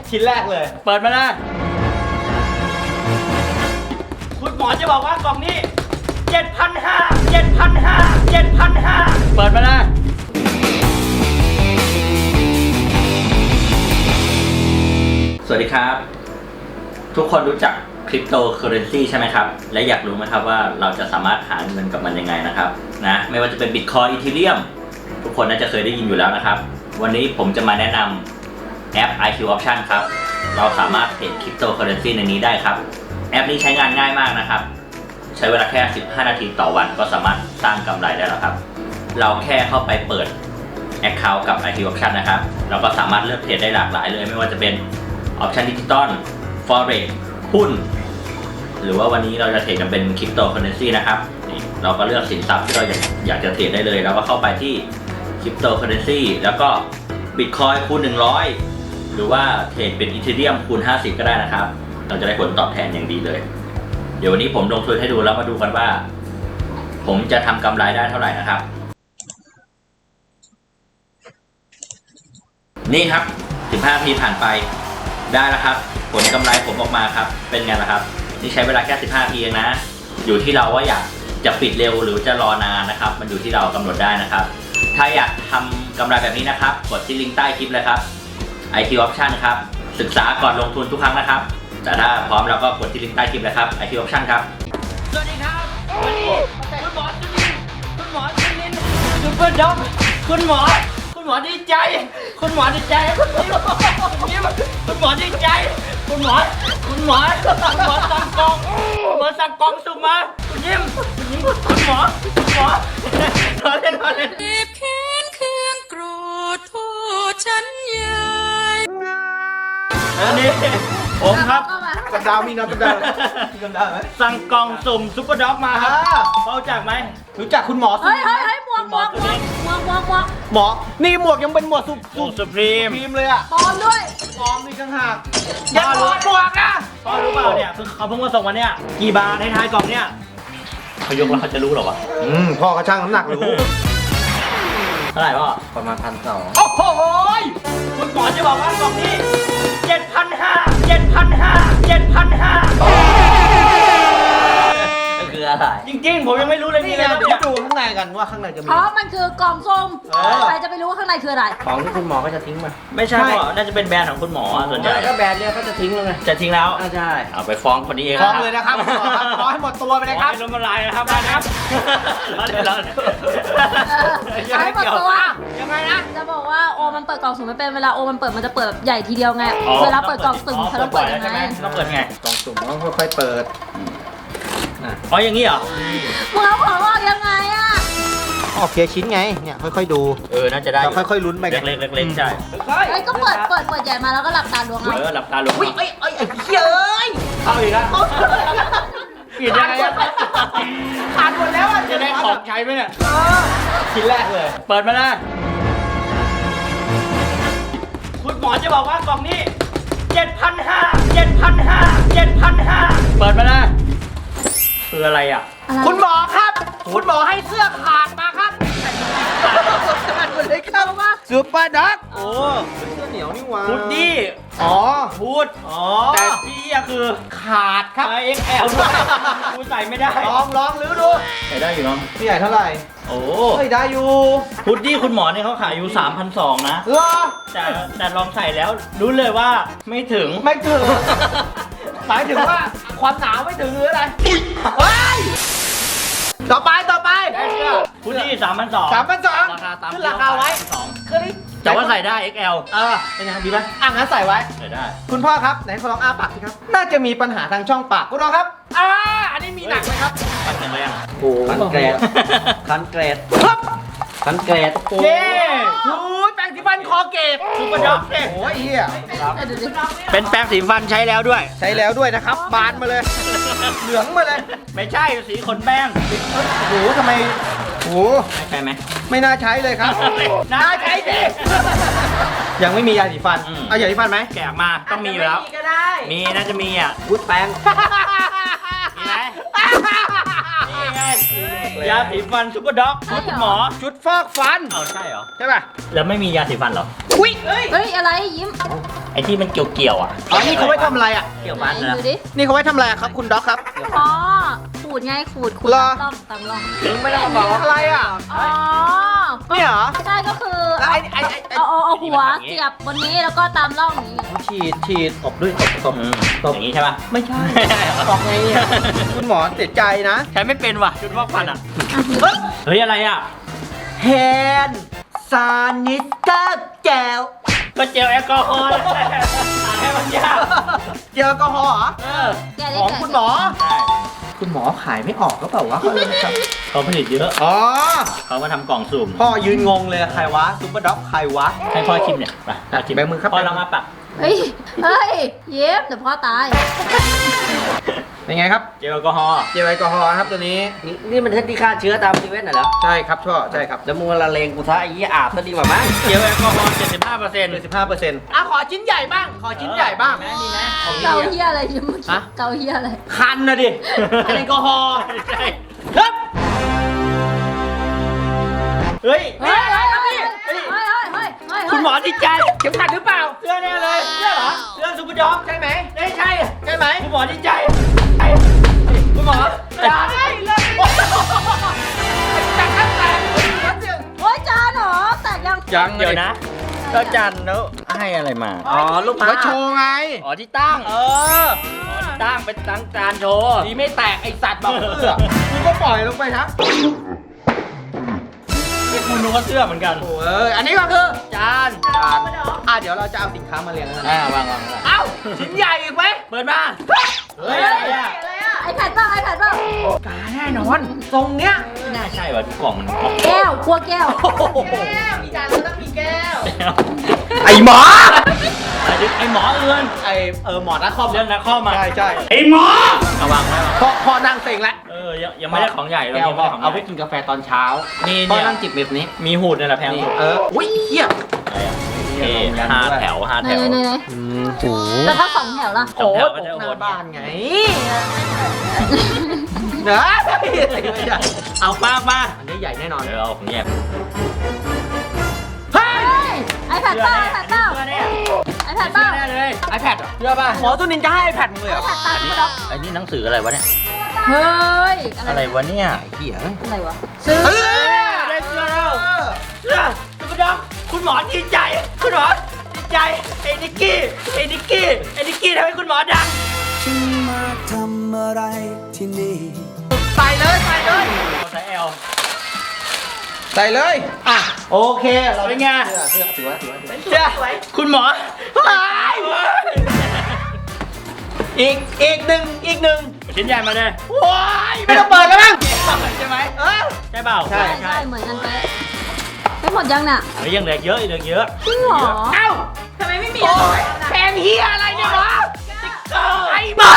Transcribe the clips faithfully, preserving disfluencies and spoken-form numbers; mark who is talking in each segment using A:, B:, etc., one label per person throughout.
A: ชิ้นแรกเลยเปิดมาเลยคุณหมอจะบอกว่ากล่องนี้เจ็ดพันห้าเจ็ดพันห้าเจ็ดพันห้าเปิดมาเลยสวัสดีครับทุกคนรู้จักคริปโตเคอเรนซีใช่ไหมครับและอยากรู้ไหมครับว่าเราจะสามารถหาเงินกับมันยังไงนะครับนะไม่ว่าจะเป็นบิตคอยน์อีทีเรียมทุกคนน่าจะเคยได้ยินอยู่แล้วนะครับวันนี้ผมจะมาแนะนำแอป ไอ คิว Option ครับเราสามารถเทรดคริปโตเคอเรนซีในนี้ได้ครับแอปนี้ใช้งานง่ายมากนะครับใช้เวลาแค่สิบห้านาทีต่อวันก็สามารถสร้างกำไรได้แล้วครับเราแค่เข้าไปเปิด Account กับ ไอ คิว Option นะครับเราก็สามารถเลือกเทรดได้หลากหลายเลยไม่ว่าจะเป็น Option ดิจิตอล Forex หุ้นหรือว่าวันนี้เราจะเทรดกันเป็นคริปโตเคอเรนซีนะครับนี่เราก็เลือกสินทรัพย์ที่เราอยากอยากจะเทรดได้เลยแล้วก็เข้าไปที่คริปโตเคอเรนซีแล้วก็บิตคอยน์คูณหนึ่งร้อยหรือว่าเทรดเป็นอีเธเรียมคูณห้าสิบก็ได้นะครับเราจะได้ผลตอบแทนอย่างดีเลยเดี๋ยววันนี้ผมลงทุนให้ดูแล้วมาดูกันว่าผมจะทำกำไรได้เท่าไหร่นะครับนี่ครับสิบห้านาทีผ่านไปได้แล้วครับผลกำไรผมออกมาครับเป็นไงล่ะครับนี่ใช้เวลาแค่สิบห้านาทีเองนะอยู่ที่เราว่าอยากจะปิดเร็วหรือจะรอนานนะครับมันอยู่ที่เรากำหนดได้นะครับถ้าอยากทำกำไรแบบนี้นะครับกดที่ลิงก์ใต้คลิปเลยครับ ไอ คิว Option ครับศึกษาก่อนลงทุนทุกครั้งนะครับแต่ถ้าพร้อมแล้วก็กดที่ลิงก์ใต้คลิปเลยครับ ไอ คิว Option ครับสวัสดีครับวันนี้คุณหมอจุลินคุณหมอจุลินซูเปอร์ด็อกคุณหมอคุณหมอดีใจคุณหมอดีใจคุณยิ้มคุณยิ้มคุณหมอดีใจคุณหมอคุณหมอคุณหมอสั่งกองคุณหมอสั่งกองสุ่มมาคุณยิ้มคุณยิ้มคุณหมอคุณหมอรอเล่นรอเล่น
B: เจ็บแค้นเครื่องโกรธโทษฉันใหญ่
A: อันนี้ผมครับ
C: กระดาวมีน้ำกระดาวมีกระดาวไหม
A: สั่งกล่องสุ่มซุปเปอร์ด็อกมาครับเขารู้จักไหม
C: รู้จักคุณหมอสุ
B: เฮ้ยเฮ้ยเฮ้ยหมวกหมวกหมวกหมวกหมวกหมวก
C: หมอนี่หมวกยังเป็นหมวกสุ
A: สูตรสุพรีม
C: พีมเลยอ่ะ
B: ปลอมด้วย
C: ปลอมนี่ข้างหากอย่าถอดหมวกอ่ะ
A: พ่อรู้เปล่าเนี่ยคือเขาเพิ่งมาส่งมาเนี่ยกี่บาทในท้ายกล่องเนี่ยเขายกแล้วเขาจะรู้หรอวะ
C: อืมพ่อเขาช่างน้ำหนักรู้
A: เท่าไหร่พ่อ
C: ประมาณพันสอง
A: โอ้โหคุณหมอจะบอกว่ากล่องนี้เจ็ดพันห้าเจ็ดพันห้าเจ็ดพันห้าคืออะไรจริงๆผมยังไม่รู้เลย
C: นี่
A: นี่
C: ไง
A: นะ
C: เดี๋ยวดูข้างในกันว่าข้างในจะมี
B: เพราะมันคือกล่องส้ม
C: เออ
B: ใครจะไปรู้ว่าข้างในคืออะไร
C: ของที่คุณหมอก็จะทิ้งมา
A: ไม่ใช่พ่อน่าจะเป็นแบรนด์ของคุณหมอส่วนใหญ่
C: ก็แบรนด์เนี่ยก็จะทิ้งเลยไง
A: จะทิ้งแล้ว
C: อ่าใช่
A: เอาไปฟ้องคนนี้เอง
C: ฟ้องเลยนะครับคุณหมอครับฟ้องให้หมดตัวไปเลยครับ
A: ล้มละลายนะครับนะครับเดี๋ยวเรา
B: เอาให้หมดตัว
C: ยังไงนะ
B: จะบอกว่าโอมันเปิดกล่องสุ่มไม่เป็นเวลาโอมันเปิดมันจะเปิดแบบใหญ่ทีเดียวไง เวลาเปิดกล่องสุ่มเขาต้องเปิดยังไง
A: ต้องเปิดไง
C: กล่องสุ่มต้องค่อยๆเปิด
A: อ๋ออย่างนี้เหรอ
B: มึงเอาของออกยังไงอะ
C: ออกเคลียร์ชิ้นไงเนี่ยค่อยๆดู
A: เออน่าจะได้
C: เราค่อยๆลุ้นไป
A: เล็กๆเล็กๆใช่
B: ไอ้ยก็เปิดเปิดเปิดใหญ่มาแล้วก็หลับตาล้วงเอา
A: เออหลับตาลง
C: อุ้ยเอ้ยเอ้ยไอ้เหี้ยเอ้ย
A: เข้าอีกแล้วปิดยังไงอะ
C: ขาดหมดแล้วอ่ะ
A: จะได้ของใช้ไหมเนี่ย
C: เออชิ้นแรกเลย
A: เปิดมาเลยคุณหมอจะบอกว่ากล่องนี้เจ็ดพันห้าเจ็ดพันห้าเจ็ดพันห้าเปิดมาเลยคืออะไรอ่ะ
B: อะไร
C: คุณหมอครับ คุณหมอให้เสื้อขาดมาครับขาดหมดเลยครับว่าซูเปอร์ด็อก
A: โอ้
C: เสื้อเหนียวนี่หว่า
A: พุดดี้
C: อ๋อ
A: พูดอ๋อ
C: แต่
A: แต่ที่อะคือ
C: ขาดครับ
A: ไอเอ็กแอลด้วยกูใส่ไม่ได้
C: ลองลองลื้อดู
A: ใส่ได้อยู่เนาะ
C: พี่ใหญ่เท่าไหร่
A: โอ้
C: เฮ้ยได้อยู่
A: พุดดี้คุณหมอเนี่ยเขาขายอยู่ สามพันสองร้อย นะ
C: เหรอ
A: แต่แต่ลองใส่แล้วรู้เลยว่าไม่ถึง
C: ไม่ถึงหมายถึงว่าความหนาวไม่ถึงหรืออะไรเฮ้ยต่อไปต่อไป
A: พุดดี้สามพันสอง
C: สามพันสอง
A: ราคาตาม
C: ขึ้นราคาไว้
A: สอง
C: คือนี่
A: แต่ว่าใส่ได้ เอ็กแอล
C: เออเป็นยังไงดีไหมอ่ะงั้นใส่ไว้
A: ใส่ได้
C: คุณพ่อครับไหนขอลองอ้าปากสิครับ น่าจะมีปัญหาทางช่องปากคุณน้องครับอ่าอันนี้มีหนักไหมครับ
A: ปัดแข็งแรง
C: โอ้คันเกรดคันเกรดครับคันเกรด
A: เย้
C: โอ้ยแปรงสีฟันคอเกต
A: ซุปเปอร์ด็อกเนี่ย
C: โอ้ยเฮีย
B: เออเดี๋ยวดิ
A: เป็นแปรงสีฟันใช้แล้วด้วย
C: ใช้แล้วด้วยนะครับ บานมาเลย เหลืองมาเลย
A: ไม่ใช่สีขนแป้ง
C: โอ้โหทำไมโอ้โห
A: ใช่ไหม
C: ไม่น่าใช้เลยครับ
A: น่าใช้สิ
C: ยังไม่มียาสีฟัน
A: อืม
C: เอายาสีฟันไหม
A: แกะมาต้องมีอยู่แล้ว
C: ก็ได้
A: มีน่าจะมีอ่ะ
C: วุ้ดแปรง
A: มีไหมนี่ไงยาสีฟันซุปเปอร์ด็อกคุณหมอ
C: ชุดฟอกฟัน
A: เอาใช่เหรอ
C: ใช่ป่ะ
A: แล้วไม่มียาสีฟันเหรอ
C: อุ้ย
B: เฮ้ยอะไรยิ้ม
A: ไอ้ที่มันเกี่ยวๆอ่ะ
C: อ๋อนี่เขาไว้ทำอะไรอ่ะ
A: เกี่ยว
B: ไหน
A: มันนะ
B: ดูดิ
C: นี่เขาไว้ทำอะไรอะครับคุณด็อกครับ
B: อ๋อขูดไงขูดขูด
C: เหรอ
B: ตามร่องตามร่อง
C: ถึงไม่ได้บอกอะไรอ่ะ
B: อ๋อ
C: เนี่ยเหรอ
B: ใช่ก็คือ
C: แล้วไอ้ไอ้ไอ้ไอ้
B: เอาเอาเอาหัวเสียบบนนี้แล้วก็ตามร่องอย่างนี้
C: ฉีดฉีดตบด้วยตบตบ
A: อืมอย่างนี้ใช่ป่ะ
C: ไม่ใช่ตอกไงเนี่ยคุณหมอเสียใจนะ
A: ใช้ไม่เป็นว่ะชุดฟอกฟันอ่ะ
B: อ่ะ
C: เฮ้ย
A: เฮ้ยอะไรอ่ะ
C: แฮนซานิสเตอร์แจว
A: ก็เจลแอลกอฮอล์แหละอ่านให้มันยาก
C: เจลแอลกอฮอล์เหรอ
A: เออ
B: แกะได้
C: ของ
B: แกะ
C: คุณหมอ
A: ใช่
C: คุณหมอขายไม่ออกก็เปล่าวะเขาเลยครับ
A: เขาผลิตเยอะ
C: อ๋อ
A: เขามาทำกล่องสุ่ม
C: พ่อยืนงงเลยใครวะซุปเปอร์ด็อกใครวะ
A: ให้พ่อชิมเนี่ยไปพ่อชิม
C: แบมือครับ
A: พ่อลองมาปัก
B: เฮ้ยเฮ้ยเย็บเดี๋ยวพ่อตาย
C: เป็นไงครับ
A: เจลแอลกอฮอล์
C: เจลแอลกอฮอล์ครับตัวนี้
D: นี่นี่มันเทคนิคฆ่าเชื้อตามซีเว่นน่ะเหรอ
C: ใช่ครับช่อใช่ครับ
D: แล้วมึงละเลงกูซะไอ้ยี่อาบซะดีกว่ามั้ง
A: เจลแอลกอฮอล์เจ็ดสิบห้าเปอร์เซ็นต์
C: เจ็ดสิบห้าเปอร์เซ็นต์อ่ะขอชิ้นใหญ่บ้าง ขอชิ้นใหญ่บ้าง
A: มีไหมมีไหมของ
B: เกา
A: ดี
B: เฮียอะไรยิ้มเมื่อกี้
C: ฮะ
B: เกาเฮียอะไร
C: คันนะดิแอลกอฮอล์
A: ใช่
C: ครับ
A: เฮ้ย
B: เฮ้ยเฮ้ยเฮ้ยเฮ้ยเฮ้ยเฮ้ยเฮ้ย
A: คุณหมอติดใจ
C: เข็มขัดหรือเปล่า
A: เสื้อแน่เลยเสื้อเหรอเสื้อซูเปอร์ด็อก
C: ใช่ไหม
A: ไม่ใช่
C: ใช่ไหม
A: คุณหมอติดใจไอ้คุณหมอ
C: อย่าได้เลยจัดกันแต่วัดเสียง
B: โอ้ยจานเหรอแตกยัง
C: ยัง
A: เดี๋ยวนะแล้วจันแล้วให้อะไรมา
D: อ๋อลูกค้า
C: ไว้โชว์ไง
A: อ๋อที่ตั้ง
C: เออ
A: อ๋อที่ตั้งเป็นตั้งจานโชว์
C: ดีไม่แตกไอสัตว์บอกเสื้อมึงก็ปล่อยลงไปนะ
A: คุณนึกว่าเสื้อเหมือนกัน
C: โอ้ยอันนี้ก็คือ
A: จาน
C: จานอ่ะเดี๋ยวเราจะเอาสินค้ามาเรียงแล้วนะ
A: อ่าวางวาง
C: เอ้าชิ้นใหญ่อีกไหม
A: เปิดมา
C: เฮ้ย
B: อะไรอะไอแพดบ้างไอแพดบ้าง
C: กาแน่นอนทรงเนี้ย
A: ไม่น่าใช่ว่ะทุกกล่องมันกล่อง
B: แก้วครัวแก้ว
C: มีจานแล้วต้องมีแก้ว
A: แล้ว
C: ไอหมอ
A: ไอ้ดิไอ้หมอเอือน
C: ไอเออหมอนักคอม
A: เรื่องนักข้อมา
C: ใช่ใช่
A: ไอ้หมอเอาวางไว้
C: พอพอนั่งเซ็งแล้ว
A: เออยังยังไม่ได้ของใหญ่เรา
C: แก้ว
A: ยัง
C: ก็
A: ไม่ได้ของ
C: เอา
A: ให
C: ไป
A: ญ่
C: กินกาแฟตอนเช้า
A: นี่
C: ก็
A: เนี่ย
C: นั่งจิบแบบนี้
A: มีหูดนี่แหละแพง
C: นี่
A: สุด
C: เอออุ้ยเหี้ย
A: อะไรอ่ะเอ๊ะห้าแถวห้า
B: ไหน
A: แถว
B: ไหนไหน
C: อืมโห
B: แล้วถ้าสองแถวล่ะ
A: สองแถวก็
C: โอ้
A: จะ
C: ห
A: โห
C: น้า
A: ด
C: บ้านไงเนอะไม่ใช่
A: เอาป้ามา
C: อันนี้ใหญ่แน่นอน
A: เดี๋ยวเอาของแยก
C: เฮ้ย
B: ไอแพดเปล่าไอแพดเปล่า
A: เสื้อเนี่ย
B: ไอแพดเปล่า
A: เสื้อแน่เลย
C: ไอแพดเชื่อป่ะหมอตัวนินจะให้ไอแพดมึงเลย
B: ไอ
C: เหรอ
B: แพดตาคุณด็อก
A: ไอ้นี่หนังสืออะไรวะเนี่ย
B: เฮ้ย อะ
A: อะไร ไรวะเนี่ย
C: ไอ้เหี้ย
B: อะไรวะซื้อ
C: เออ
A: ได้เสื้อแล้วเสื้อคุณดอกคุณหมอดีใจ คุณหมอดีใจไอ้นิกกี้ไอ้นิกกี้ไอ้นิกกี้ทำให้คุณหมอดัง
E: ฉันมาทำอะไรที่นี่
C: ใส่เลยใส่เลย
A: ใส่แอล
C: ใส่เลยอ่ะโอเคเรา
A: เป็นไง
C: เสื้อเสื้อถือว่าถือว่าถือว่า
A: เจ้าคุณหมอ
C: หายอีกอีกหนึ่งอีกหนึ่ง
A: ชิ้นใหญ่มาเลย
C: ว้ายไม่ต้องเปิดแล้วมั้ง
A: ใช่ไหม
C: เออ
A: ใช่เปล่า
C: ใช่
B: ใช่ใช่เหมือนกันเป๊ะไม่หมดยังน่ะ
A: เฮ้ยยังเหลือเยอะเหลือเยอะ
B: จริงเหรอ
C: เอ้า
B: ทำไมไม่มี
C: โอ้ยแพงเฮียอะไรเนี่ยหมอไอ้หมอ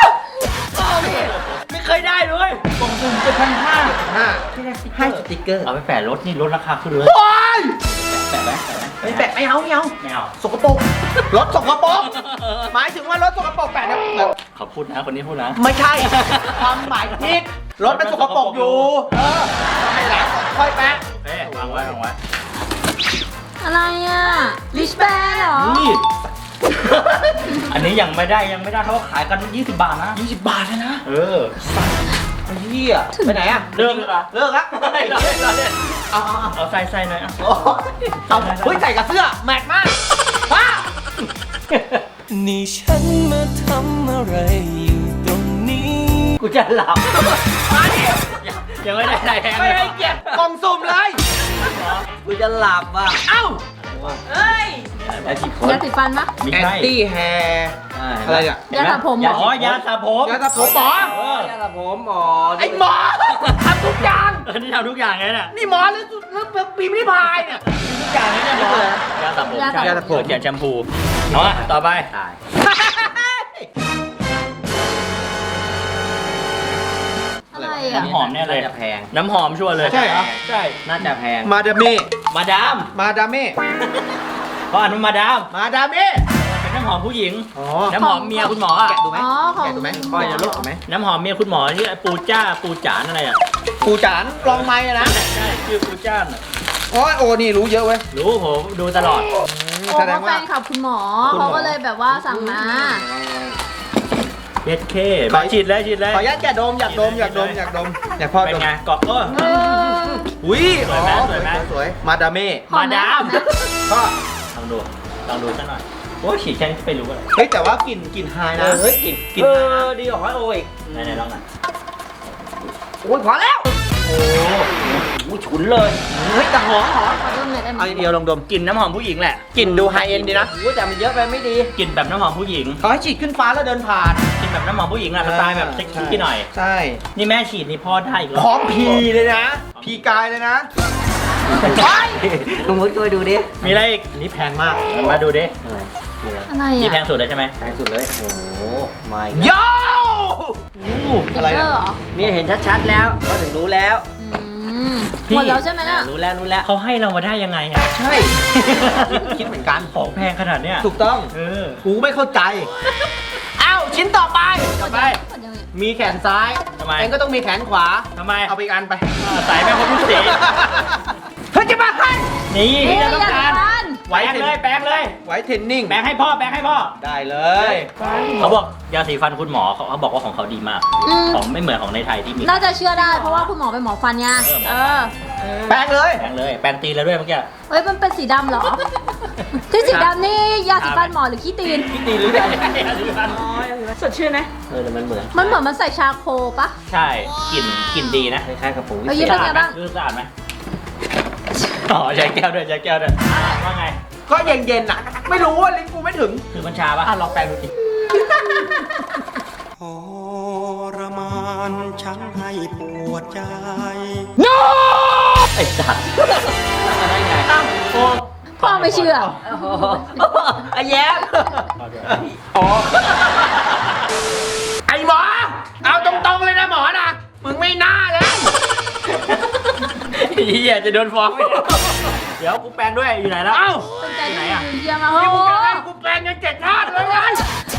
A: ไม่เคยได้เลยกล่องสุ่มเจ็ดพันห้า
C: ห้าให้สติ๊กเกอร์
A: เอาไปแปะรถนี่ลดราคาขึ้นเลย
C: โอ้ย
A: แปะไหมแปะไหม
C: ไม่แปะไม่เอาไม่เอา
A: ไม่เอา
C: สกปรกรถสกปรกหมายถึงว่ารถสกปรกแปะเนี่ยแบบ
A: เขาพูดนะคนนี้พูดนะ
C: ไม่ใช่ ความหมายผิดรถมันสกปรกอยู่ เออไม่แหลกค่อยแปะ
A: เฮ้ยวางไว้วางไว้
B: อะไรอ่ะลิชแบนเหรอ
A: นี่ อันนี้ยังไม่ได้ยังไม่ได้เขาขายกันยี่สิบบาทนะ
C: ยี่สิบบาทเลยนะ
A: เออ
C: ไอ้เหี้ยไปไหนอะ
A: เลิกเลยอ่ะ
C: เลิกละ
A: เราเล่นเราเล่น
C: เอาเอาเอา
A: เอาใส่ใส่หน่อยอ่ะ
C: โอ้ยเอาเฮ้ยใส่กับเสื้อแมทมากว้า
E: นี่ฉันมาทำอะไรอยู่ตรงนี้
A: กูจะหลับ
C: มาดิ
A: ยังไม่ได้อะไรแพง
C: ไม่ให้เกียรติกล่องสุ่มเลย
D: กูจะหลับอ่ะ
C: เอ้า
A: ไอ้ที่คน
B: ยาสีฟันปะ
A: ไม่
C: แอน
A: ใช่
C: ตี้แฮร์อะไรเนี่ย
B: ยาสระผมเหรอ
A: อ๋อยาสระผม
C: ยาสระผมหมอ
A: เออ
D: นี่แหละผมหมอ
C: ไอ้หมอทำทุกอย่าง
A: เออนี่ทำทุกอย่างเลยเนี่ย
C: นี่หมอหรือหรือปีมพ์ริพายเนี่ย
A: ทุกอย่างเลยเนี่ยหมอยาสระผม
B: ยาสระผม
A: ใช่ยาสระผมเขียนแชมพูเอามาต่อไป
D: ตาย
B: อะไรอ่ะ
A: น้ำหอมแน่เลย
D: น่าจะแพง
A: น้ำหอมชัวร์เลย
C: ใช่เหรอ
A: ใช่
D: น่าจะแพง
C: มาดามเม่
A: มาดาม
C: มาดามเม่
A: เขาอ่านว่ามาดาม
C: มาดามเม่
A: เป็นน้ำหอมผู้หญิง
C: อ๋อ
A: น้ำหอมเมียคุณหมออ่ะ
C: แกะดูไหม
B: อ๋อของ
C: แกะดูไหมก้อยจะลูกไหม
A: น้ำหอมเมียคุณหมอที่ปูจ้าปูจานอะไรอ่ะ
C: ปูจานกลองไม้อะนะ
A: ใช่ชื่อปูจ้านอะ
C: โอ้ยโอ้นี่รู้เยอะเว้ย
A: รู้ผมดูตลอด
B: โอ้
C: แสด
B: เขา
C: ง
B: แฟ
C: ว่า
B: นคลับคุณหมอ
C: คุณหมอ
B: เขาก็เลยแบบว่าสั่งมา
A: เอสเคมาฉีดเลยฉีดเลย
C: ขออนุญาตแกะดมอยากดมอยากดมอยากดมอยากพ่อ
A: เป็น
C: ดม
A: ไงเกาะเออ
B: เออ
C: อุ้ย
A: สวยไหมสวยไหม
C: สวยมาดามเม่
B: หอมไห
A: มาดาม
B: หอไห
C: ก็
A: ลองดูลองดูสักหน่อยโอ้ยฉีดแค่นี้ไปรู้อะไร
C: เฮ้ยแต่ว่ากลิ่นกลิ่นไฮ
D: เอ
C: นะ
D: อเฮ้ยกิน
C: กลิ่น
D: เอ
C: ไฮนะ
D: อดีกว่าโอ้ย
A: ไหนไหนลองหน่อย
C: โอ้ยพอแล้ว
A: โอ้
D: กูฉุนเลย
C: เฮ้ยแต่หอมหอม
B: ขอดมหน่อยได้ไหม
C: เอาเดียวลองดม
A: กลิ่นน้ำหอมผู้หญิงแหละ
C: กลิ่นดูไฮเอ็นดีนะ
D: โอ้ยแต่มันเยอะไปไม่ดี
A: กลิ่นแบบน้ำหอมผู้หญิง
C: เขาให้ฉีดขึ้นฟ้าแล้วเดินผ่าน
A: กลิ่นแบบน้ำหอมผู้หญิงอะสไตล์แบบเซ็กซี่หน่อย
C: ใช่
A: นี่แม่ฉีดนี่พ่อได้อีกแล้ว
C: พร้อมพีเลยนะ พีกายเลยนะ
D: ลุงมุดช่วยดูดิ
A: มีอะไรอีก
C: อันนี้แพงมาก
A: มาดูดิ
D: อะไรนี่อะไร
B: อะไร
A: นี่แพ
B: อ่ะ
A: งสุดเลยใช่ไหม
D: แพงสุดเลย โอ้โหไม่
C: โย่
B: ติ๊
C: อะ
B: ก
C: ไร
B: เกอ
C: นะ
B: ร์เหรอ
D: นี่เห็นชัดๆแล้วก็ถึงรู้แล้ว
B: อืมหมดแล้วใช่ไหมน่ะ
D: รู้แล้วรู้แล้ว
A: เขาให้เรามาได้ยังไงอะ
C: ใช่ คิดเหมือนกัน
A: ของแพงขนาดเนี้ย
C: ถูกต้อง
A: เออ
C: กูไม่เข้าใจ อ้าวชิ้นต่อไป
A: ต่อไป
B: หมดยังไง
C: มีแขนซ้าย
A: ทำไม
C: เองก็ต้องมีแขนขวา
A: ทำไม
C: เอาไปอีกอันไป
A: ใส่แม่คนทุกสี
C: เฮ้ยจะมาให้
A: นี่
B: เฮ้ย
A: ที่เราต้องการ
B: อย่าทาน
A: แปลงเลยแปลงเลย
C: ไว้เทรนนิ่ง
A: แปลงให้พ่อแปลงให้พ่อ
C: ได้เลย
A: เขาบอกยาสีฟันคุณหมอเขาเขาบอกว่าของเขาดีมาก
B: อืม
A: ของไม่เหมือนของในไทยที่มี
B: น่าจะเชื่อได้เพราะว่าคุณหมอเป็นหมอฟันไง
A: เออ
B: เออ
C: แปลงเลย
A: แปลงเลยแปลงตีนแล้วด้วยเมื่อกี้
B: เฮ้ยมันเป็นสีดำเหรอ ที่สีดำนี่ยาสีฟันหมอหรือขี้ตีน
A: ที่ตีนหรือไงยาสีฟัน
B: สดชื่นไหม
D: เออแต่มันเหมือน
B: มันเหมือนมันใส่ชาโคปะ
A: ใช่กลิ่นกลิ่นดีนะ
D: คล้ายๆกับปุ๋ย
B: เอ้ย เป็นไงบ้าง
A: รู้สะอาดไหมอ๋อใช้แก้วด้วยใช้แก้วด้วยอ่ะว่าไง
C: ก็เย็นๆอ่ะ ไม่รู้ว่าลิ้นกูไม่ถึง
A: คือมันชาปะ
C: อ่ะลองแปลงดูสิ
E: ทรมานฉันให้ปวดใจ
A: ไอ้สัตว์มาได้ไง
C: โอ้
B: พ่อไม่เชื่อ
D: ไอ้แย้ม
C: อ๋อไอหมอ เอาตรงๆเลยนะหมอนะ มึงไม่น่าเลย
A: เฮียจะโดนฟ้องไหมเนี่ยเดี๋ยวกูแปลงด้วยอยู่ไหนแล้ว
C: เอ้า
B: เป็นใจ
A: ไหน
B: ที่
A: อะ
B: เยี่ยมมากโอ้
C: นี่
B: โห
C: มึงจะให้กูแปลงยังเจ็ดชาติเลยไง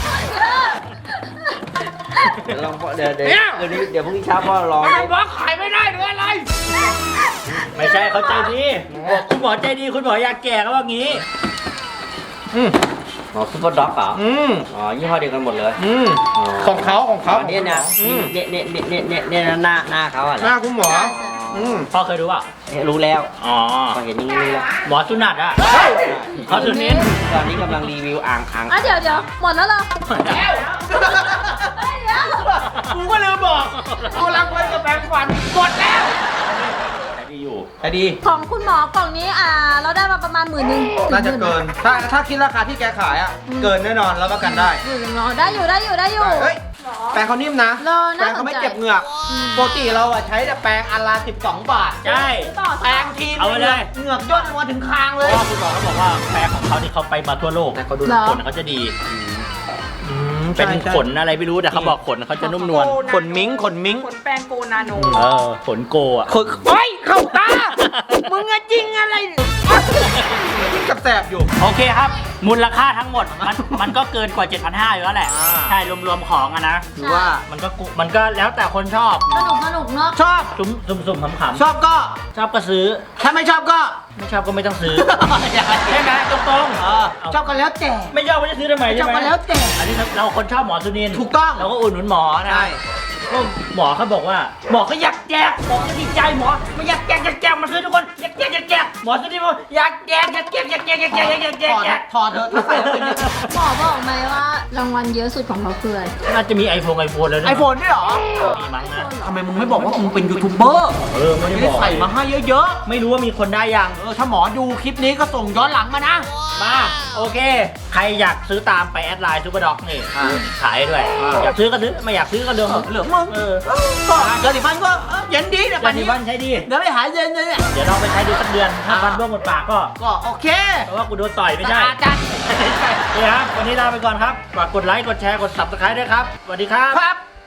D: เดี๋ยวลองเดี๋ยวเดี๋ยว
C: เนี่ย
D: เดี๋ยวนี้เดี๋ยวพรุ่งนี้เช้าพ่อลอง
C: ไอ้หมอขายไม่ได้หรืออะไร
A: ไม่ใช่เขาใจดีบอกคุณหมอใจดีคุณหมออยากแก่ก็ว่างี้
C: อืม
D: อ๋อซุปเปอร์ด็อกเหรอ
C: อืม
D: อ๋อยี่ห้อเดียวกันหมดเลย
C: อืมของเขาของเขา
D: อ๋อเนี่ยนะ
C: อืม
D: เนี่ยเนี่ยเนี่ยเนี่ยเนี่ยเนี่ยหน้าหน้าเขาอ่ะ
C: หน้าคุณหมอ อืม
A: พ่อเคยดูป่ะ
D: เนี่ยรู้แล้ว
A: อ๋อ
D: พอเห็นอย่างนี้รู้แล้ว
A: หมอสุนัตอ่ะหมอสุนิน
D: ตอนนี้กำลังรีวิวอ่างอ่าง
B: อ่ะเดี๋ยวเดี๋ยวหมดแล้วเหรอเฮ้ยเดี๋ยว
C: กูก็ลืมบอกกูรักไว้กับแปรงฟันหมดแล้ว
A: ใจดีอยู่
C: แต่ดี
B: ของคุณหมอกล่องนี้อ่าเราได้มาประมาณหมื่นหนึ่ง
C: น่าจะเกิน ถ้าถ้าคิดราคาที่แกขายอ่ะ เกินแน่นอนรับประกันได้
B: หมื่นหนึ่งเนาะได้อยู่ได้อยู่ได้อยู่
C: เฮ้ย แปรงเขานิ่มนะ
B: รอ
C: แปร
B: น่าง ส
C: เขา
B: น
C: ไม่
B: ใจ
C: เจ็บเหงือก
B: อืม
C: ปกติเราอะใช้แต่แปรงอันละสิบสองบาท
A: ใช่
B: ต่อ
C: แปรงที
A: เอาไปเลย
C: เหงือกย่นลงมาถึงคางเลย
A: พ่อคุณหมอเขาบอกว่าแผลของเขาที่เขาไปมาทั่วโลก
C: แต่เขาดู
B: เหรอ
A: ขนเขาจะดี เป็นขนอะไรไม่รู้แต่เขาบอกขนเขาจะนุ่มนวล
C: ขนมิ้งขนมิ้ง
F: ขนแปรงโกนาโน
A: เออขนโกอ่ะ
C: ขนเฮ้ยเข้าตา มึงอะจริงอะไรยิ่งกับแสบอยู่
A: โอเคครับ มูลค่าทั้งหมดมันมันก็เกินกว่า เจ็ดพันห้าร้อย อยู่แล้วแหละ
C: อ่า
A: ใช่รวมๆของอะนะ
C: ถือว่า
A: มันก็กุมันก็แล้วแต่คนชอบ
B: สนุกสนุกเนาะ
C: ชอบ
A: ซุ่มซุ่มซุ่มขำ
C: ชอบก็
A: ๆชอบก็ซื้อ
C: ถ้าไม่ชอบก็
A: ไม่ชอบก็ไม่ต้องซื้อใช่ไหมตรงๆ
C: เออชอบก็แล้วแต่
A: ไม่ชอบก็จะซื้อทำไม
C: ช
A: ใช่
C: อบ
A: ไหม
C: ก็แล้วแต่
A: อันนี้เราคนชอบหมอสุนินทร์
C: ถูกต้อง
A: เราก็อุดหนุนหมอนะ
C: ใช่
A: ก็หมอเขาบอกว่าหมอเขาอยากแจกหมอก็ดีใจหมอไม่อยากแจกอยากแจกมาซื้อทุกคนอยากแจกอยากแจกหมอสุนินทร์บอกอยากแจกอยากแจกอยากแจกอยากแจกอยากแจกอยาก
C: ถอด
A: แจก
C: ถอดเถอะถ้าใส่แล้วเป็นอย่างนี้
B: หมอบอกไหมว่ารางวัลเยอะสุดของเขาคืออะไร
A: น่าจะมีไอโฟนไอโฟนแล้ว
C: ไอโฟนด้วยเหรอ
A: มีมั้งนะ
C: ทำไมมึงไม่บอกว่ามึงเป็นยูทูบเบอร์
A: เออไม่ได้
C: ไม่
A: บ
C: ได้
A: อก
C: ใส่มาให้เยอะ
A: ไม่รู้ว่ามีคนได้ยัง
C: ๆ เออถ้าหมอดูคลิปนี้ก็ส่งย้อนหลังมานะ
A: มาโอเค ใครอยากซื้อตามไปแอดไลน์ซูเปอร์ด็อกนี่
C: อ่า
A: ขายด้วย
C: อ่า
A: อยากซื้อก็ซื้อไม่อยากซื้อก็เดิม
C: เหลืองมึง
A: เออ
C: ก็เดี๋ยวดิฟันก็เออเย็นดีเดี๋ยว
A: วั
C: ปั
A: น
C: น
A: นี้
C: นี้
A: วันใช้ดี
C: เดี๋ยวไปหายเย็นเลยเนี่ย
A: เดี๋ยวลองไปใช้ดูสักเดือนถ้า
C: อ่า
A: ฟันร่วงหมดปากก็
C: ก็โอเค
A: เพราะว่ากูโดนต่อยไม่ใช่
C: สะอาดจัด
A: นี่ครับวันนี้ลาไปก่อนครับฝากกดไลค์กดแชร์กด ซับสไครบ์ ด้วยครับสวัสดีครับ
C: ครับ